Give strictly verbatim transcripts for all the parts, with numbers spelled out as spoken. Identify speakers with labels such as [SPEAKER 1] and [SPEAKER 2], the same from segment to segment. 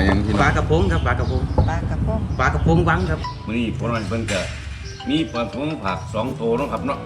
[SPEAKER 1] ยังพี่น้อง
[SPEAKER 2] ปลากระพงครับปลากระพง
[SPEAKER 3] ปลากระพง
[SPEAKER 2] ปลากระพงวังครับ
[SPEAKER 4] มื้อนี้พวกเราเพิ่นก็มีปลาทงผักสองโตเนาะครับเนาะ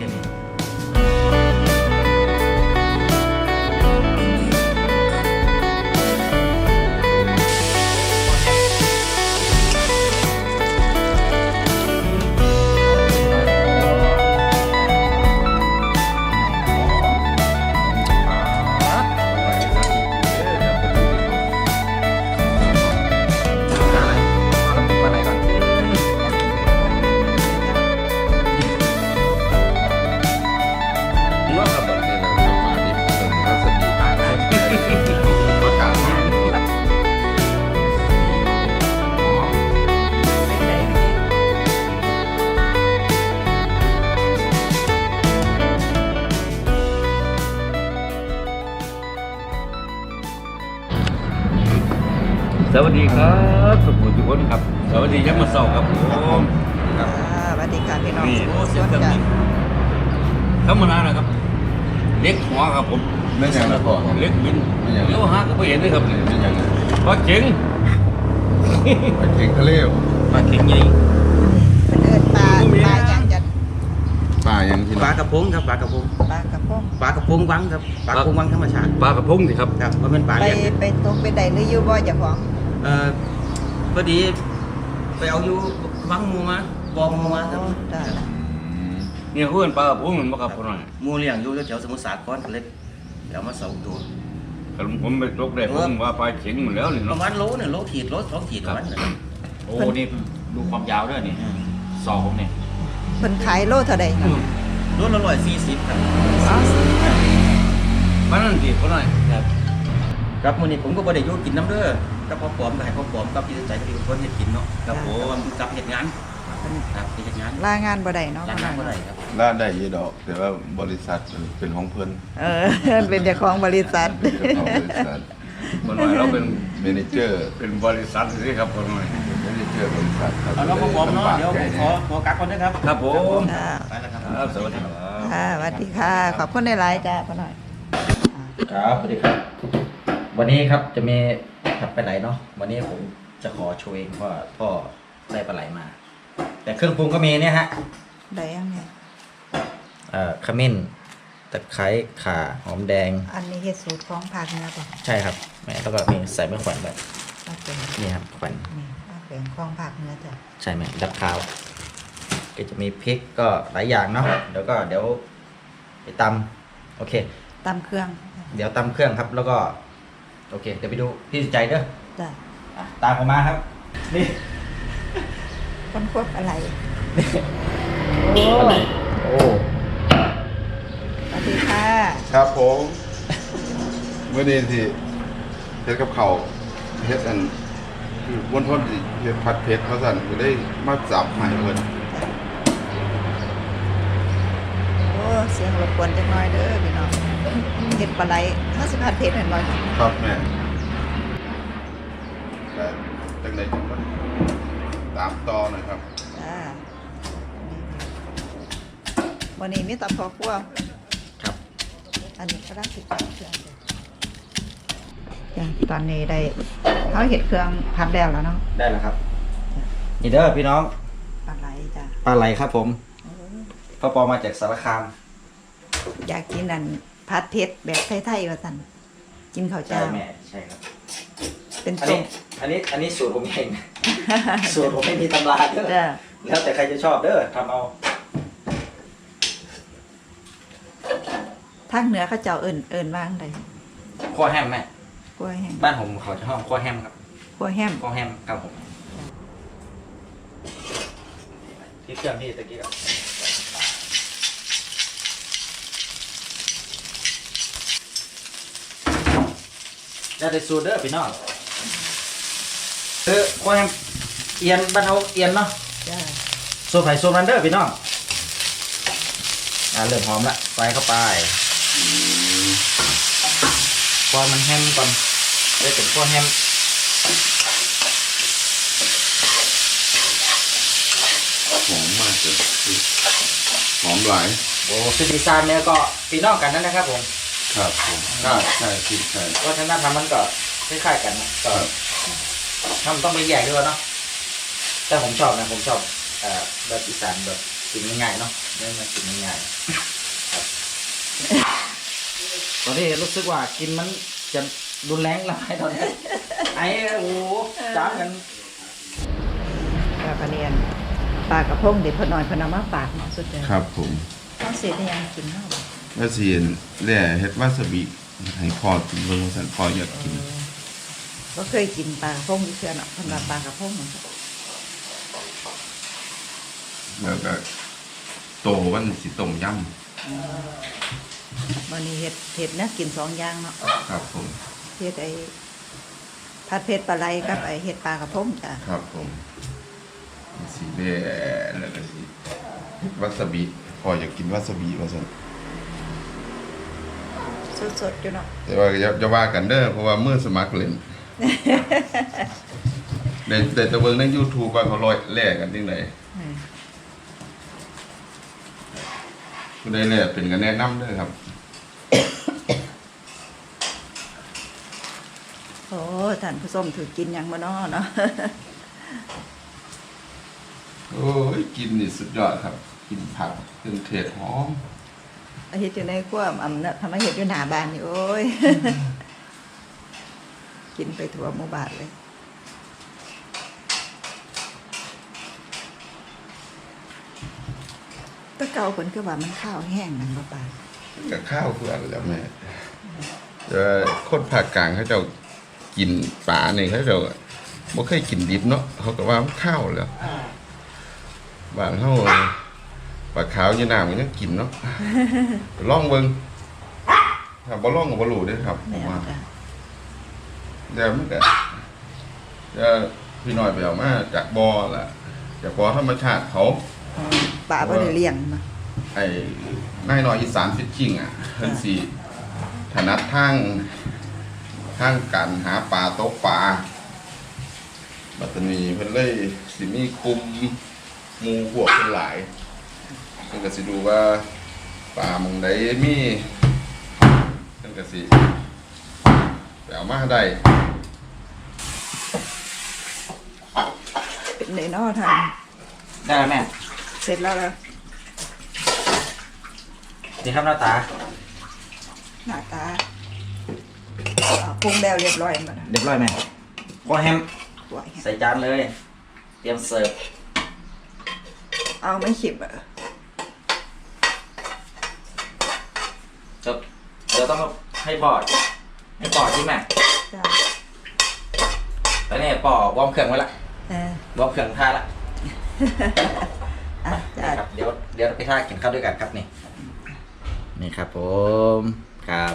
[SPEAKER 4] สวัสดีครับสุขุมทุกคนครับสวัสดียักษ์มาเศร้าครับผมครับ
[SPEAKER 3] สวัสดีค่ะพี่น้อง
[SPEAKER 4] นี่
[SPEAKER 3] สุ
[SPEAKER 4] โอ้
[SPEAKER 3] ข
[SPEAKER 4] เสียง
[SPEAKER 3] สุ
[SPEAKER 4] เค
[SPEAKER 3] ข
[SPEAKER 4] รื่อง
[SPEAKER 3] จ้ะ
[SPEAKER 4] บินธรรมดานะครับเล็กหัวครับผม
[SPEAKER 1] ไม่ยังละพ่อ
[SPEAKER 4] เล็กบิน
[SPEAKER 1] ไม่ยัง
[SPEAKER 4] เลี้ยวหาก็ไม่เห็นเลยครับ
[SPEAKER 1] ไม่ยัง
[SPEAKER 4] ปลาเจ๋ง
[SPEAKER 1] ไปเก่งทะเล
[SPEAKER 4] ปลาเจ๋งใหญ่
[SPEAKER 3] เป็นเอิ้นปลาปลาอย่างจะ
[SPEAKER 1] ปลายังพี่น้
[SPEAKER 2] ป
[SPEAKER 1] อ
[SPEAKER 2] ลาง กระพงครับปลากระพง
[SPEAKER 3] ปลากระพง
[SPEAKER 2] ปลากระพงวังครับปลากระพงวังธรรมชาติ
[SPEAKER 4] ปลากระพงสิครับ
[SPEAKER 2] ครับว่าเป็นปลา
[SPEAKER 3] ไป
[SPEAKER 2] เลี้ยงเนี่ย
[SPEAKER 3] ไปตกไปใดหรืออยู่บ่เจ้าของ
[SPEAKER 2] เอ่อพอดีไปเอาอยู่วังหมูมาบอมหมูมาครับ
[SPEAKER 3] โอ้จ้ะ
[SPEAKER 4] เนี่ยเพื่อนปลากระพงมันบ่ครับพ่อหน่อย
[SPEAKER 2] หมูเลี้ยงอยู่แถวสมุทรสาครกันเล็กแล้วมาสองตัว
[SPEAKER 4] แต่ผมไปตกได้ผมว่าปลาเจ๋งหมดแล้วนี่
[SPEAKER 2] ประ
[SPEAKER 4] เนาะ
[SPEAKER 2] มาณโลเนี่ยโลขีดโลสองขีดประมาณนั้น
[SPEAKER 5] โอ้นี่ดูความยาวด้วยนี่ซองผมเนี่ย
[SPEAKER 3] เพิ่นขายโลเท่าใด
[SPEAKER 2] โลละร้อยสี่สิบครับ
[SPEAKER 4] ปลานั่นสิพ่อหน่อย
[SPEAKER 2] ครับครับมื้อนี้ผมก็บ่ได้อยู่กินน้ำเด้อกับพ่อปอมก็ให้พ่อปอมกับพี่ใจก็เป็นคนเฮ็ดกินเนาะครับผมกับเฮ็ดงานครับเฮ็ดงาน
[SPEAKER 3] ลางานบ่ได้เนาะ
[SPEAKER 2] ร้านงานบ่ได้ครับ
[SPEAKER 1] ล่าได้ยี่ดอก แต่ว่าบริษัทเป็นของเพิ่น
[SPEAKER 3] เออ เป็นเจ้าของบริษัท
[SPEAKER 1] เป็นเจ้าของบริษัท
[SPEAKER 4] พ่อหน่อยเราเป็น
[SPEAKER 1] เมเนเจอร์
[SPEAKER 4] เป็นบริษัทสิครับพ่อหน่อย
[SPEAKER 1] เมเนเจอร์บริษัทครับ
[SPEAKER 2] เอาแล้วพ่อปอมเนาะเดี๋ยวผมขอขอกักก่อนนะครับ
[SPEAKER 4] ครับผม
[SPEAKER 3] ค่ะ
[SPEAKER 2] ไปแล้วครับ
[SPEAKER 4] ครับสวัสดีครับ
[SPEAKER 3] ค่ะสวัสดีค่ะ ขอบคุณหลายๆจ้าพ่อหน่อย
[SPEAKER 5] ครับสวัสดีครับ วันนี้ครับจะมีถัดไปไหนเนาะวันนี้ผมจะขอโชว์เองว่าพ่อได้ปลาไหลมา แต่เครื่องปรุงก็มีเนี่ยฮะ
[SPEAKER 3] ได้ยังเนี่ย
[SPEAKER 5] เอ่อขมิ้นตะไคร้ข่าหอมแดง
[SPEAKER 3] อันนี้เฮ็ดสูตรของภาคเหนือป่ะ
[SPEAKER 5] ใช่ครับแม่แล้วก็มีใส่มะแขวนแบบ
[SPEAKER 3] เอาเป็น
[SPEAKER 5] นี่ครับแขวน
[SPEAKER 3] นี่เอาเป็นของภาคเหนือจ้ะ
[SPEAKER 5] ใช่ไหมดับขาวก็จะมีพริกก็หลายอย่างเนาะเดี๋ยวก็เดี๋ยวไปตำโอเค
[SPEAKER 3] ตำเครื่อง
[SPEAKER 5] เดี๋ยวตำเครื่องครับแล้วก็โอเคเดี๋ยวไปดูพี่ใจเด้อ
[SPEAKER 3] จ้ะ
[SPEAKER 5] อ่ะตามผมมาครับนี่
[SPEAKER 3] คนควบอะไร
[SPEAKER 5] โอ้โอ้
[SPEAKER 3] สวัสดีค่ะ
[SPEAKER 1] ครับผมเมื่อนี้ที่เฮ็ดกับเขาวเฮ็ดอันคือวันทนสิเฮ็ดผัดเผ็ดเขาสั่นก็ได้มาจับใหม่เพิ่น
[SPEAKER 3] โอ้เสียงรบกวนจักหน่อยเด้อพี่น้องเห็ดปลาไหลห้าสิบพัดเพชรเห็นบ่
[SPEAKER 1] ครับแม่แต่จังไดจังบ่ตามต่อหน่อยครับ
[SPEAKER 3] จ้าวันนี้มีแตำพอครัว
[SPEAKER 5] ครับ
[SPEAKER 3] อันนี้ก็ได้ติดเครื่องจ้ะตอนนี้ได้เขาเห็ดเครื่องพัดแล้วแล้วเนาะ
[SPEAKER 5] ได้แล้วครับนี่เด้อพี่น้อง
[SPEAKER 3] ปลาไหลจ้ะ
[SPEAKER 5] ปลาไหลครับผม
[SPEAKER 3] โอ้
[SPEAKER 5] พ่อปอมาจากสารคาม
[SPEAKER 3] อยากกินอันพัดเพชรแบบไทยๆว่าสั่นกินข้าว
[SPEAKER 5] ใช่
[SPEAKER 3] เจ้า
[SPEAKER 5] แม่ใช่ครับ
[SPEAKER 3] เป็น
[SPEAKER 5] อัน
[SPEAKER 3] ต้
[SPEAKER 5] นี้
[SPEAKER 3] ม
[SPEAKER 5] อันนี้อันนี้สูตรผมเอง สูตรผมไม่มีตำราเด้อ
[SPEAKER 3] จ้ะ
[SPEAKER 5] แล้วแต่ใครจะชอบเด้อทำเอา
[SPEAKER 3] ทางเหนือเขาเจ้าเอิ้นเอิ้นว่างใด
[SPEAKER 5] ขั้วแฮมแม่
[SPEAKER 3] กล้วยแห้ง
[SPEAKER 5] บ้านผมเขาจะห้องขั้วแฮมครับ
[SPEAKER 3] กล้วยแฮม
[SPEAKER 5] ขั้วแฮมครับผมที่เครื่องนี่ตะกี้ครับแล้วแต่สูตรเด้อพี่น้องคือขั้วแฮมเอียนบ้านเขาเอียนเนาะ
[SPEAKER 3] จ้ะ
[SPEAKER 5] โซไผ่โซมันเดอร์พี่น้องอ่าเริ่มหอมละใส่เข้าไปพอมันแฮมก่อนได้เป็นพอแฮม
[SPEAKER 1] หอมมากเลยหอมหลาย
[SPEAKER 5] โอ้สุดีซานเนี่ยก็พี่น้องกันนั่นนะครับผม
[SPEAKER 1] ครับผมใช่ใช่ที่ใช่
[SPEAKER 5] วัฒนธรรมมันก็คล้ายๆกันนะก็ำต้องไปแยกด้วยเนาะแต่ผมชอบนะผมชอบเอ่อแบบอีสานแบบกินง่ายๆเนาะไม่มากินง่ายๆครับตอนนี้รู้สึกว่ากินมันจะรุนแรงหลายตอนนี้ไอ้โอ้จ้ากัน
[SPEAKER 3] ปลากระเนียนปลากระพงเด็ดพอน้อยพอน้ำมาฝากเนาะสุดเลย
[SPEAKER 1] ครับผม
[SPEAKER 3] ต้องเสียได้ยังกินเนาะ
[SPEAKER 1] แล้วสิแล่เฮ็ดวาซาบิให้พ่อกินเบิ่งว่าซั่นพ่ออยากกิน
[SPEAKER 3] ก็เคยกินปลากระพงอยู่เชื่อเนาะสำหรับปลากระพงเนาะ
[SPEAKER 1] แล้วก็โตมันสิต้มยำ
[SPEAKER 3] วันนี้เห็ดเห็ดเนี่ยกินสองอย่างเนาะ
[SPEAKER 1] ครับผม
[SPEAKER 3] เห็ดไอ้ผัดเผ็ดปลาไหลกับไอ้เห็ดปลากระพงจ้ะ
[SPEAKER 1] ครับผมสีแดงแล้วก็สีวาซาบิพออยากกินวาซาบิว่าซั่น
[SPEAKER 3] สดๆอยู่เนาะ
[SPEAKER 1] แต่ว่าอย่าอย่าว่ากันเด้อเพราะว่ามือสมัครเล่น แต่แต่ตะเบิ่งใน YouTube ว่าเขาลอยแลกกันจังได๋ผู้ใดแลกเป็นก็แนะนำเด้อครับ
[SPEAKER 3] โอ้ท่านผู้ชมถือกินหยังบ่เนาะเนาะ
[SPEAKER 1] โอ้ยกินนี่สุดยอดครับ กินผักเครื่องเทศหอม
[SPEAKER 3] อาเฮ็ดอยู่ในครัวอำเนาะทำให้เฮ็ดอยู่หน้าบ้านนี่โอ้ย กินไปทั่วหมู่บ้านเลยแตะเก่าเพิ่นคือว่ามันข้าวแห้งนั่นบ่ปาน
[SPEAKER 1] กับข้าวเพื่อนแล้วแม่เออคนภาคกลางเขาเจ้ากินปลานี่เขาเจ้าบ่เคยกินดิบเนาะเขาก็ว่ามันข้าวแล้วบ้านเฮาปลาขาวอยู่น้ำก็ยังกินเนาะ ลองเบิ่งถ้าบ่ลองก็บ่รู้เด้อครับผ
[SPEAKER 3] แม่
[SPEAKER 1] ม
[SPEAKER 3] น
[SPEAKER 1] ว่า
[SPEAKER 3] จ้ะ
[SPEAKER 1] เดี๋ยวมันก็เดี๋ยวพี่น้อยไปเอามาจากบ่อล่ะจากบ่อธรรมชาติเขา
[SPEAKER 3] อ๋อปลาบ่ได้เลี้ยงเนาะ
[SPEAKER 1] ไอ้นายน้อยอีสานฟิชชิ่งอ่ะเพิ่นสิถนัดทางทางการหาปลาตกปลาบัดนี้เพิ่นเลยสิมีกลุ่มหมู่พวกเพิ่นหลายเพิ่นก็สิดูว่าปลาหม่องใดมีเพิ่นก็สิไปเอามาได้
[SPEAKER 3] เป็นไดเนาะท่าน
[SPEAKER 5] ได้แล้วแม่
[SPEAKER 3] เสร็จแล้วแล้ว
[SPEAKER 5] ดีครับหน้าตา
[SPEAKER 3] หน้าตาอ่าปรุงแล้วเรียบร้อยหมดแล้ว
[SPEAKER 5] เรียบร้อยไหมก็แฮม
[SPEAKER 3] ไว้
[SPEAKER 5] ใส่จานเลย เตรียมเสิร์ฟ
[SPEAKER 3] เอาไม่ขิบอ่ะ
[SPEAKER 5] เดี๋ยวเดี๋ยวต้องให้ปอด ให้ปอดใช่ไหม
[SPEAKER 3] จ้ะ
[SPEAKER 5] แล้วเนี่ยปอดวอร์มเครื่องไว้ละ
[SPEAKER 3] เออ
[SPEAKER 5] วอร์มเครื่องท่าละ
[SPEAKER 3] อ่ะจ้ะ
[SPEAKER 5] นี่ครับเดี๋ยวเดี๋ยวไปท่ากินข้าวด้วยกันครับนี่ นี่ครับผมครับ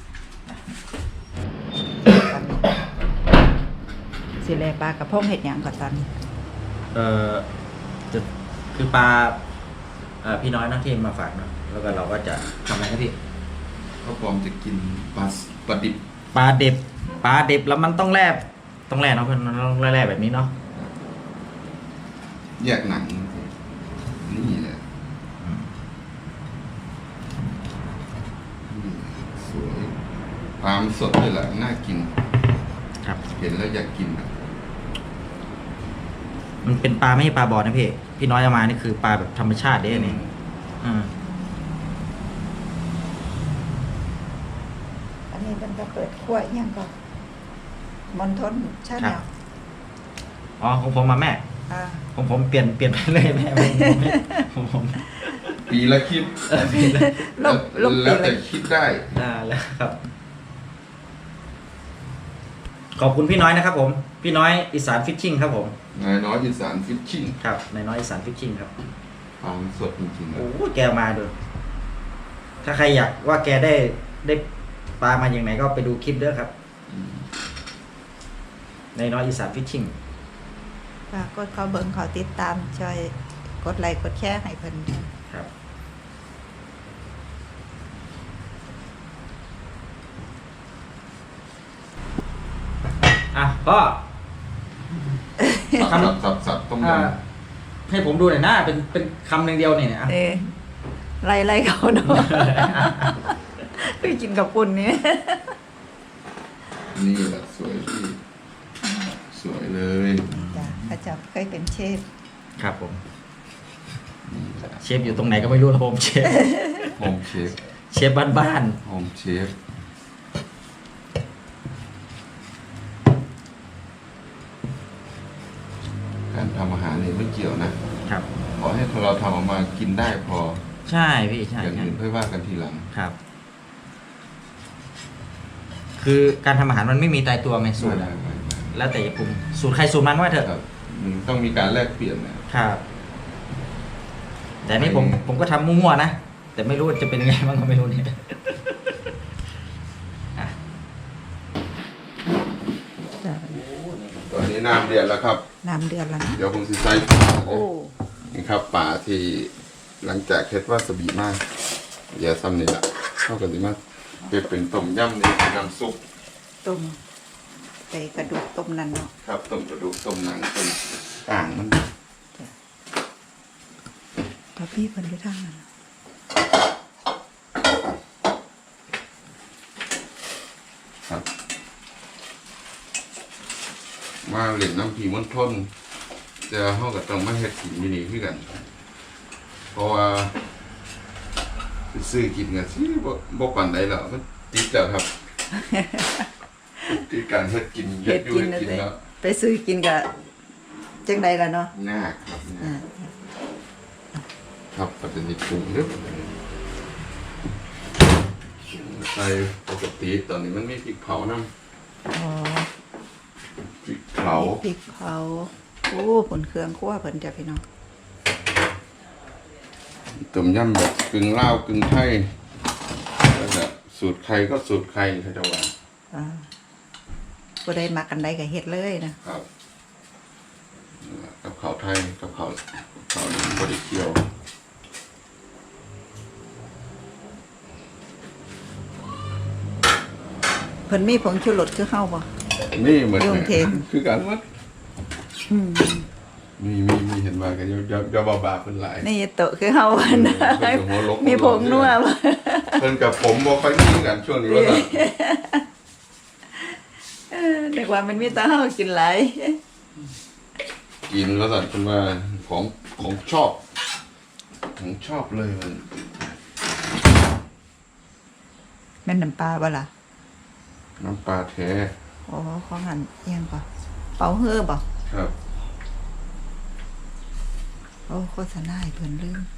[SPEAKER 3] สิแลปลากระพงเห็ดหยังก่อนตอนนี้
[SPEAKER 5] เอ่อจะคือปลาเอ่อพี่น้อยเนาะที่มาฝากเนาะแล้วก็เราก็จะทำอะไรครับพี่
[SPEAKER 1] ก็พร้อมจะกินปลาปลาดิบ
[SPEAKER 5] ปลาเด็บปลาเด็บแล้วมันต้องแลบต้องแลบเนาะเพื่อนมันต้องแลบแบบนี้เนาะ
[SPEAKER 1] แยกหนังนี่แหละนี่สวยปลามันสดเลยแหละน่ากิน
[SPEAKER 5] ครับ
[SPEAKER 1] เห็นแล้วอยากกินอะ
[SPEAKER 5] มันเป็นปลาไม่ใช่ปลาบอลนะพี่พี่น้อยเอามานี่คือปลาแบบธรรมชาติเด้นี่อืม
[SPEAKER 3] อันนี้มันก็เปิดขั้วอิหยังก่อนมอนทนชาแนล
[SPEAKER 5] อ๋อของผมมาแม่
[SPEAKER 3] อ่า
[SPEAKER 5] ผมผมเปลี่ยนเปลี่ยนไปเลยแม่ผมผมผมผม
[SPEAKER 1] ปีละคลิป
[SPEAKER 3] ลบลบ
[SPEAKER 1] แล้ว
[SPEAKER 3] ไปเล
[SPEAKER 1] แต่
[SPEAKER 3] ย
[SPEAKER 1] คิดได้
[SPEAKER 5] ได้แล้วครับ ขอบคุณพี่น้อยนะครับ ผม พี่น้อยอีสานฟิชชิ่งครับผม
[SPEAKER 1] นายน้อยอีสานฟิชชิ่ง
[SPEAKER 5] ครับนายน้อยอีสานฟิชชิ่งครับ
[SPEAKER 1] ปลามันสดจริงๆนะ
[SPEAKER 5] โอ้โหแกมาดู ถ้าใครอยากว่าแกได้ได้ปลามาอย่างไหนก็ไปดูคลิปเด้อครับ
[SPEAKER 1] อืม
[SPEAKER 5] นายน้อยอีสานฟิชชิ่ง
[SPEAKER 3] ฝากกดเขาเบิ่งเขาติดตามช่วยกดไลค์กดแชร์ให้เพิ่น
[SPEAKER 5] ครับ อ่ะพ่อ
[SPEAKER 1] สับสับสับต้มย
[SPEAKER 5] อ่าให้ผมดูหน่อยนะเป็นเป็นคำหนึ่งเดียวเนี่ยนะ
[SPEAKER 3] เออไล่ไล่เขาเนาะ ไปกินกับปุ่นนี่
[SPEAKER 1] ำนี่แหละสวยพี่สวยเลย
[SPEAKER 3] จ้ะพระเจ้าเคยเป็นเชฟ
[SPEAKER 5] ครับผม เชฟอยู่ตรงไหนก็ไม่รู้ครับผมเชฟ
[SPEAKER 1] โฮมเชฟ
[SPEAKER 5] เชฟบ้าน
[SPEAKER 1] โฮมเชฟการทำอาหารนี่ไม่เกี่ยวนะ
[SPEAKER 5] ๆครับ
[SPEAKER 1] ขอให้เราทำออกมากินได้พอ
[SPEAKER 5] ใช่พี่ใช่
[SPEAKER 1] อย่าง
[SPEAKER 5] ใช่
[SPEAKER 1] อื่นค่อยว่ากันทีหลัง
[SPEAKER 5] ครับ คือการทำอาหารมันไม่มีตายตัวไงสูตรอะ
[SPEAKER 1] ไม่ไม่ไม่
[SPEAKER 5] แล้วแต่จะปรุงสูตรใครสูตรมันว่าเถอะ
[SPEAKER 1] ครับมันต้องมีการแลกเปลี่ยนนะครับ
[SPEAKER 5] แต่นี่ผมผมก็ทำมั่วๆนะ แต่ไม่รู้ว่าจะเป็นยังไงบ้างก็ไม่รู้เนี่ยอ่ะ
[SPEAKER 3] จ้ะ
[SPEAKER 1] ตอนนี้น้ำเดือดแล้วครับ
[SPEAKER 3] น้ำเดือดแล้วนะ
[SPEAKER 1] เดี๋ยวผมสิใส่ปลาเล
[SPEAKER 3] โอ้
[SPEAKER 1] ยนี่ครับปลาที่หลังจากเฮ็ดวาซาบิมากอย่าซ้ำนี่แหละเข้ากันดีมากเป็นเป็นต้มยำนี่เป็นน้ำซุป
[SPEAKER 3] ต้มไปกระดูกต้มนั่นเนาะ
[SPEAKER 1] ครับต้มกระดูกต้มหนังต้มอ่างมัน
[SPEAKER 3] พอพี่เพิ่นไปทางนั้น
[SPEAKER 1] ครับ มาเล่นน้ำผีมันทนจะเฮาก็ต้องมาเฮ็ดกินอยู่นี่คือกัน เพราะว่าไปซื้อกินกันสิบ่บ่ปานใดแล้วมันติดแล้วครับ ติดการเฮ็ดกิน
[SPEAKER 3] เฮ็ด
[SPEAKER 1] อยู่
[SPEAKER 3] กิน
[SPEAKER 1] เฮ็ด
[SPEAKER 3] นะ
[SPEAKER 1] กิน
[SPEAKER 3] เด้
[SPEAKER 1] แล้ว
[SPEAKER 3] ไปซื้อกินก็จังใดล่ะเนาะ
[SPEAKER 1] ยากครับยา
[SPEAKER 3] อ่าก
[SPEAKER 1] ครับปัจจุบันปรุงเด้อใส่ปกติตอนนี้มันมีพริกเผาน้ำ
[SPEAKER 3] อ๋อ
[SPEAKER 1] พริกเผา
[SPEAKER 3] พริกเผาโอ้ผลเครื่องคั่วเพิ่นจ้ะพี่น้อง
[SPEAKER 1] ต้มยำแบบกึ่งลาวกึ่งไทยแล้วก็สูตรใครก็สูตรใครเขาจะว่า
[SPEAKER 3] อ่าบ่ได้มักกันใดก็เฮ็ดเลยนะครับ
[SPEAKER 1] กับข้าวไทยกับข้าวข้าวบริเคียว
[SPEAKER 3] เพิ่นมีผงชูรสคือเฮาบ่
[SPEAKER 1] นี่เหมือน
[SPEAKER 3] ยุ่งเทม
[SPEAKER 1] คือการวัด
[SPEAKER 3] อืม
[SPEAKER 1] มีมีมีเห็นว่ากันจะจะจะบาบาเป็นหลาย
[SPEAKER 3] นี่โตะคือเฮาบ่นะ
[SPEAKER 1] เพิ่นก็หัวลก
[SPEAKER 3] มีผงนัวบ่
[SPEAKER 1] เพิ่นกับผมบ่ค่อยมีกันช่วงนี้ว่าซั่น
[SPEAKER 3] เออเด็กว่ามันมีแต่เฮากินหลาย
[SPEAKER 1] กินแล้วสั่นเป็นว่าของของชอบของชอบเลยมัน
[SPEAKER 3] แม่นน้ำปลาบ่ล่ะ
[SPEAKER 1] น้ำปลาแท้
[SPEAKER 3] อ๋อของหันเอียงก่อนเป่าเฮือบ่
[SPEAKER 1] ครับ
[SPEAKER 3] โอ้โฆษณาให้เพิ่นลืม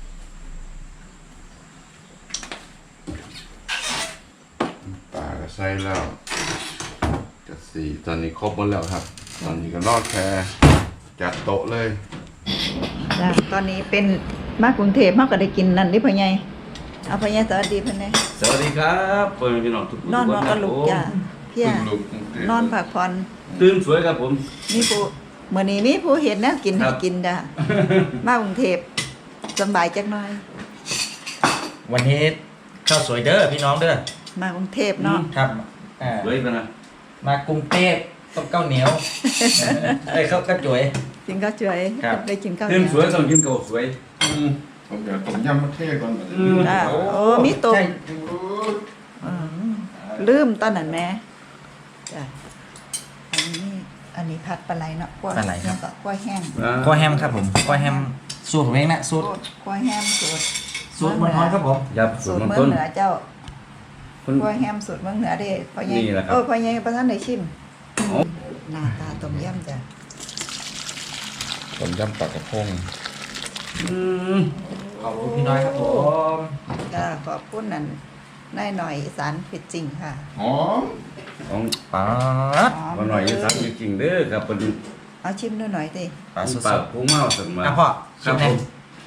[SPEAKER 1] ปลาก็ใส่แล้วจะสี่ตอนนี้ครบหมดแล้วครับ ตอนนี้ก็รอดแค่จัดโต๊ะเลย
[SPEAKER 3] จ้ะตอนนี้เป็นมากรุงเทพเฮาก็ได้กินนั่นดิพ่อใหญ่เอาพ่อใหญ่สวัสดีเพิ่นแหน่
[SPEAKER 4] สวัสดีครับเปิดพี่น้องทุกคน
[SPEAKER 3] นอนนอนกับลูกจ้ะเพีย
[SPEAKER 1] เพิ่งลุกตั้งแต่
[SPEAKER 3] นอนพักผ่อน
[SPEAKER 4] ตื่นสวยครับผม
[SPEAKER 3] มีผู้มื้อนี้มีผู้เห็นแนวกิน
[SPEAKER 4] ครั
[SPEAKER 3] ให้
[SPEAKER 4] บ
[SPEAKER 3] กินจ้ะมากรุงเทพสำบายจักหน่อย
[SPEAKER 5] วันนี้ข้าวสวยเด้อพี่น้องเด้อ
[SPEAKER 3] มากรุงเทพเนาะ
[SPEAKER 5] ครับอ่า
[SPEAKER 4] สวยไปนะ
[SPEAKER 5] มากรุงเทพต้องข้าวเหนียวไอ้ยข้าวกระจุย
[SPEAKER 3] กินข้าวสวย
[SPEAKER 5] ครับ
[SPEAKER 3] ได้กินข้าวเห
[SPEAKER 4] ตื่
[SPEAKER 3] นี
[SPEAKER 4] น
[SPEAKER 3] ยว
[SPEAKER 4] สวยต้องกินข้าวสวย
[SPEAKER 1] อืมผมจะต้มยำมะเทศก่อน
[SPEAKER 4] อืม
[SPEAKER 3] จ้ะโอ้มีตุ่ม
[SPEAKER 5] ใช่
[SPEAKER 3] อืมลืมตอนนั้นแม่จ้ะอันนี้อันนี้ผัดปลาไหลเนาะกล้วย
[SPEAKER 5] ปลาไหลครับ
[SPEAKER 3] แล้วก็กล้วยแห้ง
[SPEAKER 5] ก้อยแฮมครับผมก้อยแฮมสูตรผมเองนะสูตร
[SPEAKER 3] กล้วยแห้งสูตร
[SPEAKER 5] สูตรมันฮ้อนครับผม
[SPEAKER 4] ยับ
[SPEAKER 3] สู
[SPEAKER 4] สู
[SPEAKER 3] ต
[SPEAKER 4] ต
[SPEAKER 3] ร
[SPEAKER 4] รมัน
[SPEAKER 3] เมือ
[SPEAKER 4] ต้
[SPEAKER 3] ง
[SPEAKER 4] น
[SPEAKER 3] เหนือเจ้า
[SPEAKER 4] คุณ
[SPEAKER 3] กล้วยแห้งสูตรเมืองเหนือเด้พ่อใหญ่
[SPEAKER 4] นี่แหละครับ
[SPEAKER 3] โอ้พ่อใหญ่ประธานได้ชิม
[SPEAKER 4] โอ้
[SPEAKER 3] หน้าตาต้มยำจ้ะ
[SPEAKER 1] ต้มยำปลากระพง
[SPEAKER 4] อืม
[SPEAKER 5] ขอบคุณพี่น้อยครับผม
[SPEAKER 3] จ้าขอบคุณนั่นนายหน่อยอีสานผิดจริงค่ะ
[SPEAKER 1] หอม
[SPEAKER 4] ของ
[SPEAKER 5] ป๊าด
[SPEAKER 4] มาหน่อยอีสักจริงๆเด้อครับเป็น
[SPEAKER 3] เอาชิมด้วยหน่อยดิ
[SPEAKER 5] ปลาส
[SPEAKER 4] ปลา
[SPEAKER 5] ด
[SPEAKER 4] พุงเมาสัก
[SPEAKER 5] ๆ
[SPEAKER 4] มา
[SPEAKER 5] อ่ะพ่อ
[SPEAKER 4] ค
[SPEAKER 5] ชิ
[SPEAKER 4] รั
[SPEAKER 5] ม
[SPEAKER 4] บ
[SPEAKER 5] เล
[SPEAKER 4] ผ
[SPEAKER 5] ย
[SPEAKER 4] ม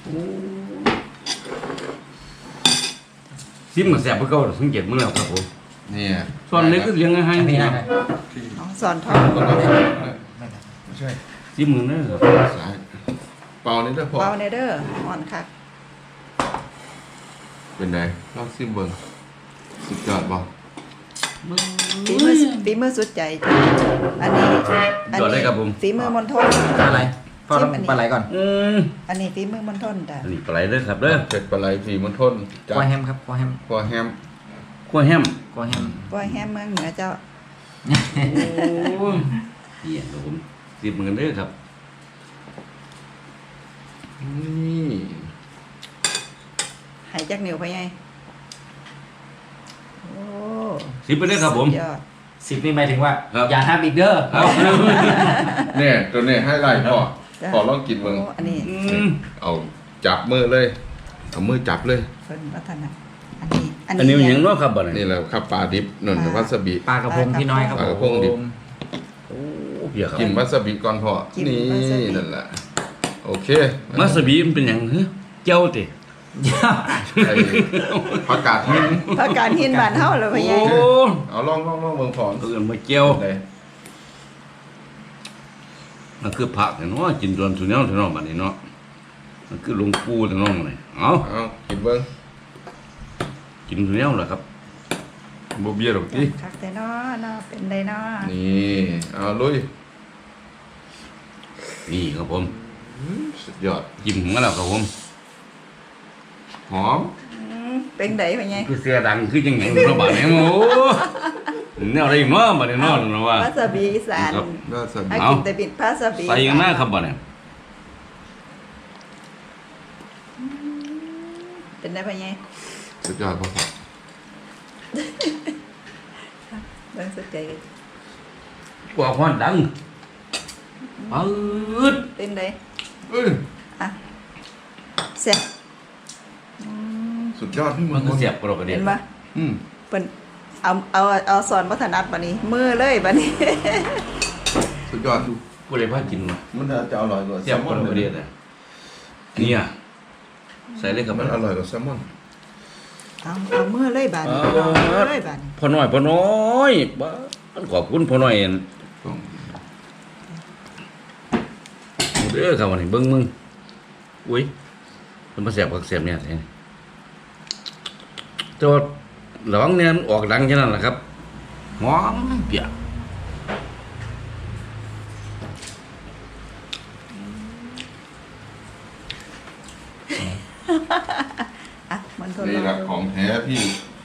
[SPEAKER 4] ซิมมันแสบเพื่อเก่าสังเกตมื้อแล้วครับผม
[SPEAKER 1] เนี่ย
[SPEAKER 4] ส่วนเล็กก็เลี้ยงให้
[SPEAKER 5] อันนี้
[SPEAKER 4] ค
[SPEAKER 5] นะ
[SPEAKER 4] รับ
[SPEAKER 3] เอาสอนทอด
[SPEAKER 1] ไม่ใช่
[SPEAKER 4] ซิมมือเด้อครับ
[SPEAKER 1] สายเปล่านี่ได้อพอ
[SPEAKER 3] เบาเนเด้ออ่อนค่ะ
[SPEAKER 1] เป็นไงลองซิมเบิ้งสุดยอดบ่
[SPEAKER 3] ฝีมือฝีมือสุดใจจ้ะอันนี้อัน
[SPEAKER 4] ยอดเล
[SPEAKER 3] นี้
[SPEAKER 4] ยครับผม
[SPEAKER 3] ฝีมือมนทน
[SPEAKER 5] ปลาไหลพ่อต้อง
[SPEAKER 3] ชิมอันนี้
[SPEAKER 5] ปลาไหลก่อน
[SPEAKER 4] อืม
[SPEAKER 3] อันนี้ฝีมือมนทนจ้ะ
[SPEAKER 4] อันนี้ปลาไหลเด้อครับเด้อ
[SPEAKER 1] เผ็ดปลาไหลฝีมันทนจัด
[SPEAKER 5] ก้อยแฮมครับก้อยแฮม
[SPEAKER 1] กว่าแฮม
[SPEAKER 4] ขั้วแฮม
[SPEAKER 5] ก้อยแฮม
[SPEAKER 3] กล้วยแฮมเมืองเหนือเจ้า
[SPEAKER 4] โอ้ยเหี้ยครับผมสิบเหมือนกันเด้อครับ
[SPEAKER 1] นี่
[SPEAKER 3] หายจากเหนียวไปไงโอ้
[SPEAKER 4] สิบไปเด้อครับผม
[SPEAKER 3] สุดยอด
[SPEAKER 5] สิบนี่หมายถึงว่า
[SPEAKER 4] ครับ
[SPEAKER 5] อย่าห้ามอีกเด้อ
[SPEAKER 4] ครับ
[SPEAKER 1] เนี่ยตัวนี้ให้ไล่พ่อ
[SPEAKER 3] จ้ะ
[SPEAKER 1] พ่อลองกินเบิ่ง
[SPEAKER 3] โอ้อันนี้
[SPEAKER 4] อืม
[SPEAKER 1] เอาจับมือเลยเอามือจับเลย
[SPEAKER 3] เพิ่นวัฒนะอันนี้
[SPEAKER 4] อันนี้มันหยังเนาะครับบ่เนี่ย
[SPEAKER 1] นี่แหละครับปลาดิบนุ่นวาซาบิ
[SPEAKER 5] ปลากระพงพี่น้อยครับ
[SPEAKER 1] ปลากระพงดิบ
[SPEAKER 4] โอ้เพียครับ
[SPEAKER 1] กินวาซาบิก่อนพ่อนี่นั่นแหละโอเค
[SPEAKER 4] มาสบีมันเป็นหยังฮะเจ้าติ
[SPEAKER 1] ไอ้ผักกาดหิน
[SPEAKER 3] ผักกาดหินบ้านเฮาเลยไป
[SPEAKER 4] โอ้
[SPEAKER 3] ไง
[SPEAKER 1] เอาลองลองลองเบิ่งพร้อม
[SPEAKER 4] เออมาเจ้า
[SPEAKER 1] เลย
[SPEAKER 4] มันคือผักเนาะกินจนสุดแนวสุดนอกบัดนี้เนาะมันคือหลวงปู่สุดน้องเลยเอา
[SPEAKER 1] เอากินเบิ่ง
[SPEAKER 4] กินสุดแนวแหละครับ
[SPEAKER 1] บ่เบี้ยหรอกติ
[SPEAKER 3] คักแต่เนาะเนาะเป็นไดเนาะ
[SPEAKER 1] นี่เอาลุย
[SPEAKER 4] นี่ครับผม
[SPEAKER 1] สุดยอด
[SPEAKER 4] กินของเราครับผม
[SPEAKER 1] หอม
[SPEAKER 3] อืมเป็นไดไปไง
[SPEAKER 4] คือเสียดังคือจังหยังเนาะบัดนี้โอ้แนวอะไรอีกเนาะบัดนี้เนาะเนาะว่า
[SPEAKER 3] วาซาบิอีสาน
[SPEAKER 4] ครับ
[SPEAKER 1] วาซาบิ
[SPEAKER 3] ให้
[SPEAKER 4] เอา
[SPEAKER 3] กินแต่บิดวาซาบิ
[SPEAKER 4] ใส่กันหน้าครับบัดนี้
[SPEAKER 3] เป็นไดไปไง
[SPEAKER 1] สุดยอดพ่อ
[SPEAKER 3] เบิ่งสุดใจกัน
[SPEAKER 4] ว่าฮ้อนดังปืด
[SPEAKER 3] เป็นได
[SPEAKER 1] เอ้ย
[SPEAKER 3] อ่ะแซ่บอืม
[SPEAKER 1] สุดยอดพี่
[SPEAKER 4] มันก็เสียบกระโดดกระเด็
[SPEAKER 3] เห็
[SPEAKER 4] น
[SPEAKER 3] นปะ
[SPEAKER 1] อืม
[SPEAKER 3] เปิ้นเอาเอาเอาสอนวัฒนัดบัดนี้ มือเลยบัดนี้
[SPEAKER 1] สุดยอดดู
[SPEAKER 4] ผู้ใดพากินมา
[SPEAKER 1] มันจะอร่อยกว่า
[SPEAKER 4] เสียบกระโดดกระเด็นเลยเนี่ยใส่เลยครับ
[SPEAKER 1] มันอร่อยกว่าแซลมอน
[SPEAKER 3] เอาเอามือเลยบัดนี้
[SPEAKER 4] เอา
[SPEAKER 3] เอามือเลยบัดนี้
[SPEAKER 4] พ่อน้อยพ่อน้อยบ้ามันขอบคุณพ่อน้อยอั่น
[SPEAKER 1] ต้อง
[SPEAKER 4] เด้อครับวันนี้เบิ่งมึงอุ้ยมันมาเสียบกับเสียบเนี่ยสิแต่ว่าระวังเนี่ยมันออกดังแค่นั้นแหละครับหอมเปียก
[SPEAKER 3] อ่ะมันทด
[SPEAKER 1] นี่
[SPEAKER 3] ลอง
[SPEAKER 1] แหละ
[SPEAKER 3] ดู
[SPEAKER 1] ของแท้พี่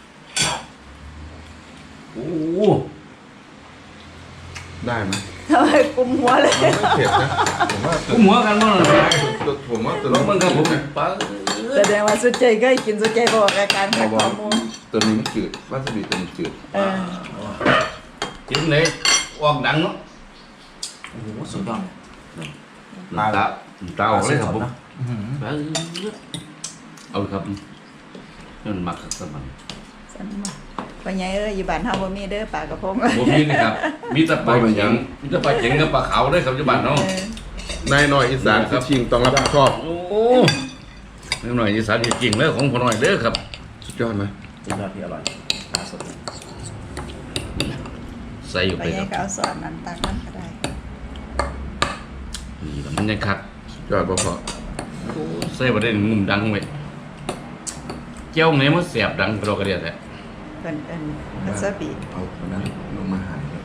[SPEAKER 4] โอ้
[SPEAKER 1] ได้ไหม
[SPEAKER 3] ทำไมกุมหัวเลย
[SPEAKER 1] มันไม่เผ็ดนะผมว่า
[SPEAKER 4] ผมหัวกันบ่ล่ะ
[SPEAKER 1] ตัวผมว่าตัว
[SPEAKER 4] ลองเบิ่งครับผม
[SPEAKER 1] นะ
[SPEAKER 4] ป้า
[SPEAKER 3] แสดงว่าสุดใจก็กินสุดใจบอกอาการขัดข้อมูล
[SPEAKER 1] ตัวนี้มันจืดวาซาบิตัวนี้จืด
[SPEAKER 3] เออ
[SPEAKER 4] กินเลยออกดังเนาะ
[SPEAKER 5] โอ้โหสุดยอด
[SPEAKER 4] ตาตาตาออกเลยครับผม
[SPEAKER 5] อื้อหือ
[SPEAKER 4] ป้าเอาเลยครับนั่นมักครับสมัน
[SPEAKER 3] สันมาปัญญาเอ้ยอยู่บ้านเฮาบ่มีเด้อปลากระพง
[SPEAKER 4] บ่มีนะครับมีแต่ปลาเข็งมีแต่ปลาเข็งกับปลาขาวเด้อครับอยู่บ้านเนาะ
[SPEAKER 3] เออน
[SPEAKER 1] ายน้อยอีสานคือชิงต้องรับผิดชอบ
[SPEAKER 4] โอ้นิดหน่อยอีสานจริงๆแล้วของพ่อน้อยเด้อครับ
[SPEAKER 1] สุดยอดไหม
[SPEAKER 5] สุดยอดที่อร่อยปลาสด
[SPEAKER 4] ใส่อยู่
[SPEAKER 3] ปั
[SPEAKER 4] ไป
[SPEAKER 3] ญ
[SPEAKER 4] ค
[SPEAKER 3] ญา
[SPEAKER 4] รับ
[SPEAKER 3] ก็เอาสอนนั้นตักมันก็ได้
[SPEAKER 4] นี่แล้วมันยังคัก
[SPEAKER 1] สุดยอดพ่อพ่อ
[SPEAKER 4] ใส่บ่ได้งุ่มดังไว้เจ้าไหนมันแสบดังกระโดดกระเดียดแท้
[SPEAKER 3] เพิ่นเอิ้นวาซาบิ
[SPEAKER 1] เอาตัวนั้นลงมาหาเลย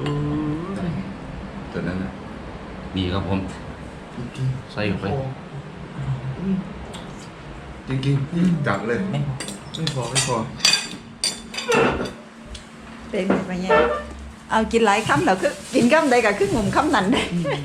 [SPEAKER 1] ตัวนั้นนะ
[SPEAKER 4] นี่ครับผมใส่อยู่ไป
[SPEAKER 1] จริงๆจับเลย
[SPEAKER 5] ไม่พอ
[SPEAKER 1] ไม่พอไม่พอ
[SPEAKER 3] เป็นไงปัญญาเอากินหลายคำแล้วคือกินคำใดก็คืองุ่มคำนั้นได้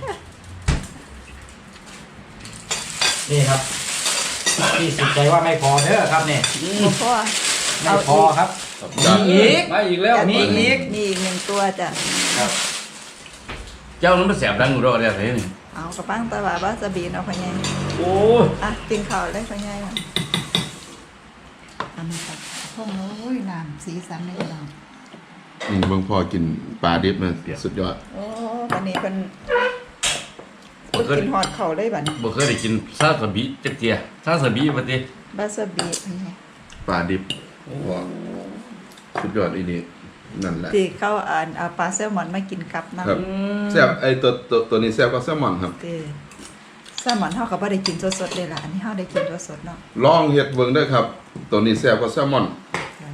[SPEAKER 5] นี่ครับที่สุดใจว่าไม่พอเด้อครับเนี่ย
[SPEAKER 3] บ่พอ
[SPEAKER 5] ไม่พอครับ
[SPEAKER 1] จับ
[SPEAKER 5] มีอีก
[SPEAKER 4] มาอีกแล้ว
[SPEAKER 3] จัด
[SPEAKER 5] มีอีก
[SPEAKER 3] มีอีกหนึ่งตัวจ้ะ
[SPEAKER 5] ครับ
[SPEAKER 4] เจ้านั้นมันแสบดังกระโดดกระเดียดแท้นี่
[SPEAKER 3] เอากระปังตะวาวาซาบิเนาะปัญญา
[SPEAKER 4] โอ้ย
[SPEAKER 3] อ่ะกินข้าวได้ปัญญาอ่ะอันนี้ครับพงโอ้ยน้ำสีสันในเรา
[SPEAKER 1] นี่เบิ่งพอกินปลาดิบมันสุดยอด
[SPEAKER 3] โอ้วันนี้เป็นบ่กินฮอดเขาเลยบัดนี้
[SPEAKER 4] บ่เคยได้กินซาสบิจักเทียซาสบิบัดนี้
[SPEAKER 3] วาซาบิปัญญา
[SPEAKER 1] ปลาดิบว้าวสุดยอดอีนี่นั่นแหละ
[SPEAKER 3] ที่เขาอ่านเอาปลาแซลมอนมากินกับน้ำ
[SPEAKER 1] ครับแซ่บไอตัวตัวตัวนี้แซ่บก็แซลมอนครับ
[SPEAKER 3] เออแซลมอนเฮาก็บ่ได้กินสดๆเลยล่ะอันนี้เฮาได้กินสดๆเนาะ
[SPEAKER 1] ลองเฮ็ดเบิ่งเด้อครับ ตัวนี้แซ่บกว่าแซลมอน
[SPEAKER 3] จ้ะ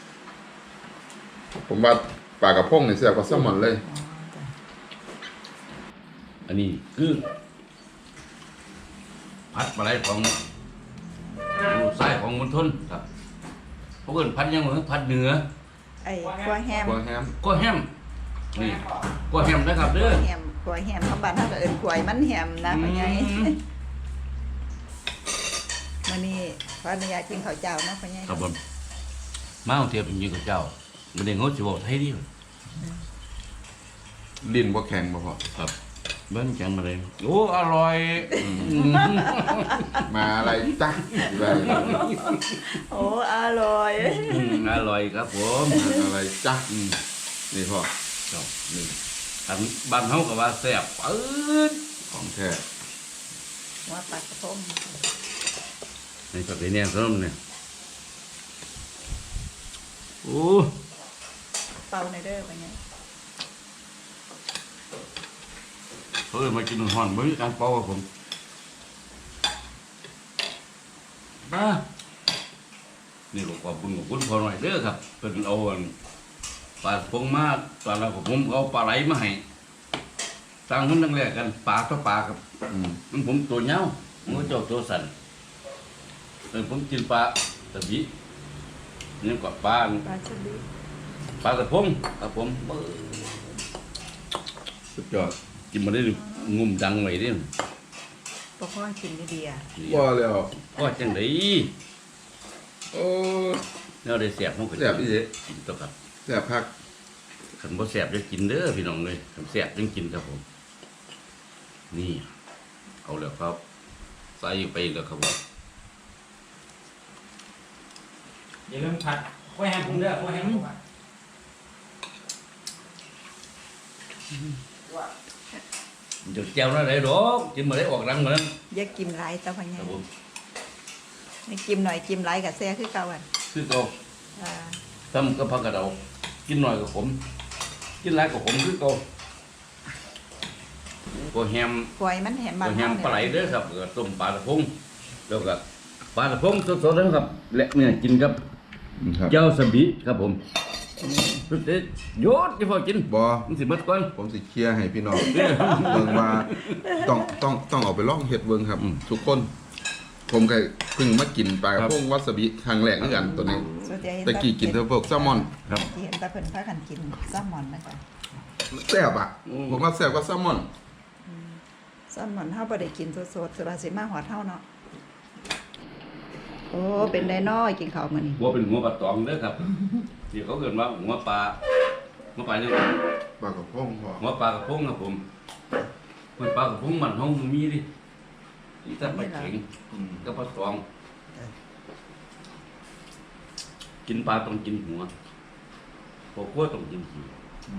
[SPEAKER 1] ผมว่าปลากระพงนี่แซ่บกว่าแซลมอนเลย
[SPEAKER 3] อ๋อจ้ะ
[SPEAKER 4] อันนี้คือพัดปลาไหลของลูกชายของมณฑลครับพวกเอิ้นพัดยังเหมือนพัดเหนือ
[SPEAKER 3] ไอ้กัวแฮม
[SPEAKER 1] กัวแฮม
[SPEAKER 4] ก็แฮมนี่กกว่าแฮมนะครับเด้อ
[SPEAKER 3] แฮมขวายแฮมของบ้านเฮาก็เอิ้นขวายมันแฮมนะพ่อใหญ่
[SPEAKER 4] อืม
[SPEAKER 3] มื้อนี้ขออนุญาตกินข้าวเจ้านะพ่อใหญ่
[SPEAKER 4] ครับผมมาเอาเทียบอยู่กับเจ้ามันเองเขาสิบอกให้ดิ
[SPEAKER 1] ลิ้นบ่แข็งบ่พอ
[SPEAKER 4] ครับเบิ้ลแข็งมาเลยโอ้อร่อย
[SPEAKER 1] มาอะไรจ้ะอะไร
[SPEAKER 3] โอ้อร่อย
[SPEAKER 4] อืมอร่อยครับผม
[SPEAKER 1] อะไรจ้ะ
[SPEAKER 4] อืม
[SPEAKER 1] นี่พ่อ
[SPEAKER 4] ครับนี่อันบ้านเฮาก็ว่าแซ่บปื๊ด
[SPEAKER 1] ของแท้
[SPEAKER 3] หัวปลากระพง
[SPEAKER 4] นี่ก็เป็นเนี่ยสนมเนี่ยโอ้
[SPEAKER 3] เป่าในอยเด้อพ่อใหญ่
[SPEAKER 4] เขาเลยมากินห่อนไม่มีการเป่าครับผมมานี่ก็ขอบคุณขอบคุณพอหน่อยเด้อครับเป็นเอาอันปลาพงมาตอนแรกผมเอาปลาไหลมาให้ตั้งคนตั้งแรกกันปลาต่อปลาครับ
[SPEAKER 1] อืม
[SPEAKER 4] มันผมตัวเน่ามันก็เจ้าตัวสั่นเออผมกินปลาตะบินี่ก็ปลา
[SPEAKER 3] ปลาสลิด
[SPEAKER 4] ปลากระพงครับผมเบิ่ง
[SPEAKER 1] สุดยอด
[SPEAKER 4] กินมาได้งุ่มดังไว้ดิ
[SPEAKER 3] บ่พอกินดีๆอ่ะ
[SPEAKER 1] บ่แล้ว
[SPEAKER 4] ก็จังได
[SPEAKER 1] โอ้
[SPEAKER 4] แล้วได้แซ่บมันก็
[SPEAKER 1] แซ่บอีเด้
[SPEAKER 4] กินตัวครับ
[SPEAKER 1] แซ่บคัก
[SPEAKER 4] คันบ่แซ่บจะกินเด้อพี่น้องเลยคันแซ่บจึงกินครับผม นี่ เอาแล้วครับ ใส่ไปแล้วครับผม
[SPEAKER 5] อย่าลืมผัดกล้วยแฮมผมเด้อกล้วยแฮมผมอะ
[SPEAKER 4] เดี๋ยวแจ้วนั่นได้ดอกกินมาได้ออกรังเหมือนนั้น
[SPEAKER 3] อย่ากินหลายตาพ่อให
[SPEAKER 4] ค
[SPEAKER 3] ญ่
[SPEAKER 4] รับผม
[SPEAKER 3] ให้กินหน่อยกินหลายก็แซ่คือเก่าอ่ะ
[SPEAKER 4] คือเก่า
[SPEAKER 3] อ่า
[SPEAKER 4] ทำกับผักกระเดากินหน่อยกับผม กินหลายกับผมคือเก่าก็แฮม
[SPEAKER 3] ขวายมันแฮมบ้า
[SPEAKER 4] ก็
[SPEAKER 3] น
[SPEAKER 4] แฮม
[SPEAKER 3] เฮา
[SPEAKER 4] ปลาไหล
[SPEAKER 3] เนี่ย
[SPEAKER 4] เด้อครับแล้วก็ต้มปลาตะพงแล้วก็ปลาตะพงสดๆนะครับ และเนี่ยกินกับ
[SPEAKER 1] อืมครับ
[SPEAKER 4] เจ้าสบิครับผมสุดเด็ดโยดที่พอกิน
[SPEAKER 1] บ่
[SPEAKER 4] มันสิเบิดก่อน
[SPEAKER 1] ผมสิเคลียร์ให้พี่น้องเบิ่งว่าต้องต้องต้องเอาไปลองเฮ็ดเบิ่งครับ ทุกคน ผมก็เพิ่งมากินปลากระพงวาซาบิครั้งแรกคือกันตัวนี้
[SPEAKER 3] ส่วนใหญ่เห็น
[SPEAKER 1] ตะกี้กินแต่พวกแซลมอน
[SPEAKER 4] ครับ
[SPEAKER 3] ที่เห็นตาเพิ่นพากันกินแซลมอนนะคะ
[SPEAKER 1] แซ่บอ่ะ ผมว่าแซ่บกว่าแซลมอน
[SPEAKER 3] แซลมอนเฮาบ่ได้กินสดๆสุราสิมาหอดเฮาเนาะโอ้เป็นได้น้อยกินข้าวมื้อนี้
[SPEAKER 4] หัวเป็นหัวปลาตองเด้อครับที่เขาเกิดว่าหัวปลาหัวปลาเนี่ย
[SPEAKER 1] ปลากระพงพอ
[SPEAKER 4] หัวปลากระพงครับผมมันปลากระพงมันห้องมันมีดิอีสัตว์ปลาเข็ง
[SPEAKER 1] อืม
[SPEAKER 4] ก็ปลาตอง กินปลาต้องกินหัวพอขั้วต้องกินหัว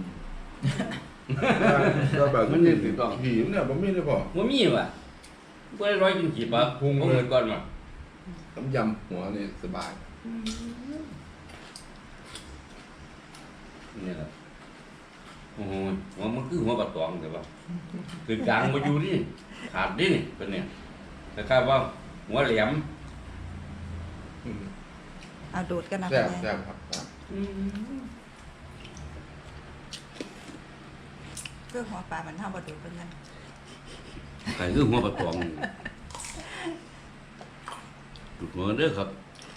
[SPEAKER 1] แล้วแบบ
[SPEAKER 4] มัน
[SPEAKER 1] นี้
[SPEAKER 4] นี่ถูกต้อง
[SPEAKER 1] หิวเนี่ยบ่มีเลยพอ
[SPEAKER 4] หัวมีว่ะก็ได้ร้อยกินกี่ปลา
[SPEAKER 1] พุง
[SPEAKER 4] เอา
[SPEAKER 1] เลย
[SPEAKER 4] เงินก่อนมา
[SPEAKER 1] น้ำยำหัวนี่สบาย
[SPEAKER 4] เนี่ยครับโอ้โหหัวมันคือหัวปลาตองแต่ว่าคือกลางมาอยู่นี่ขาดดินี่เป็นเนี่ยแต่คาดว่าหัวแหลม
[SPEAKER 1] อืม
[SPEAKER 3] เอาดูดกันนะ
[SPEAKER 1] แซ่บ
[SPEAKER 3] พ่อใหญ่
[SPEAKER 1] แซ่บครับแซ่บ
[SPEAKER 3] คือหัวปลามันเฮาบ่ดูดเพิ่นนั่น
[SPEAKER 4] ใครคือหัวปลาตองดูดหัวเด้อครับ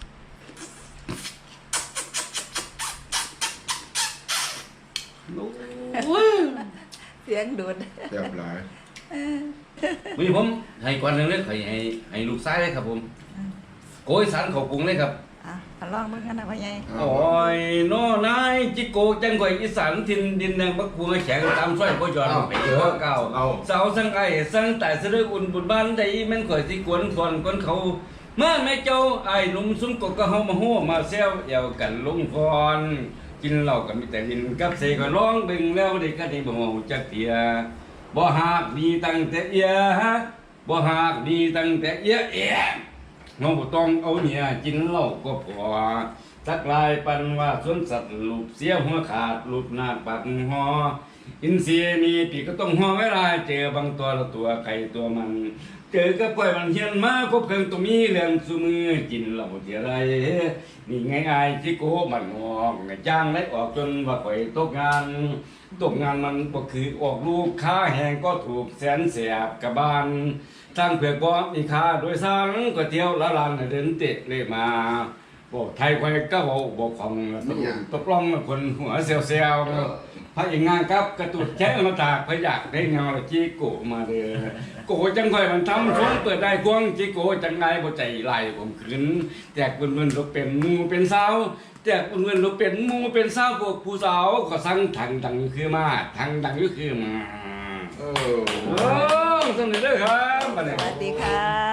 [SPEAKER 4] โอ้ย
[SPEAKER 3] เสียงดูด
[SPEAKER 1] แซ่บหลาย
[SPEAKER 4] วันนี้ผมให้ก่อนหนึ่งเลยให้ให้ให้ลูกซ้ายเลยครับผมโกยสารเขาปรุงเลยครับ
[SPEAKER 3] อ่ะเอาลองเบิ่งกันนะพ่อใหญ่
[SPEAKER 4] โอ้ยน้อนายจิโกจังก่อยอีสานทินดินแดงบักพวงแข็งตามซอยพ่อจอนไปเจอเก่าสาวสังไอสังแต่เสด็จอุ่นบุญบ้านใดแม่นข่อยสิกวนฟอนคนเขามาแม่เจ้าไอ้หนุ่มซุ้มกกก็เฮามาโหมาแซวเอวกันลงฟอนกินเหล้ากันมีแต่ดินกับเสก็ร้องเบิ่งแล้วเด็กก็ได้บ่ฮู้จักเตียบ่หากมีตั้งแต่เอียบ่หากมีตั้งแต่เอียเอียเฮาบ่ต้องเอาเนี่ยกินเหล้าก็พอสักลายปันว่าสวนสัตว์ลูกเสียหัวขาดลูกหน้าปักหออินทรีย์มีปีกก็ต้องหอเวลาเจอบางตัวละตัวใครตัวมันเจอกับปล่อยมันเฮียนมาคบเพิ่งตัวมีเรื่องซุมือกินเหล้าเทียไรนี่ไงไอ้ที่โกมันงอกจ้างได้ออกจนว่าข่อยตกงานตกงานมันก็คือออกลูกค้าแหงก็ถูกแสนเสียบกับบ้านทางเผือกบ่มีค่าโดยสารก็เที่ยวละลานเดินเตะเลยมาบอกไทยข่อยก็บอกบอกของตกลงตกลงคนหัวเซลเซลพพระเอกงานครับกระตุดแช่มาตากพระอยากได้เงาจีโกมาเด้อโกจังค่อยมันทำช่วงเปิดได้ควงจีโกจังไงบ่ใจไหลผมขืนแจกเพิ่นๆลูกเป็นหมูเป็นสาวแจกเพิ่นๆลูกเป็นหมูเป็นสาวพวกผู้สาวก็สั่งทางดังคือมาทางดังก็คือมา
[SPEAKER 1] เออ
[SPEAKER 4] โอ้สนุกเด้อครับบัด
[SPEAKER 3] ส
[SPEAKER 4] นี้
[SPEAKER 3] วัสดีค่ะ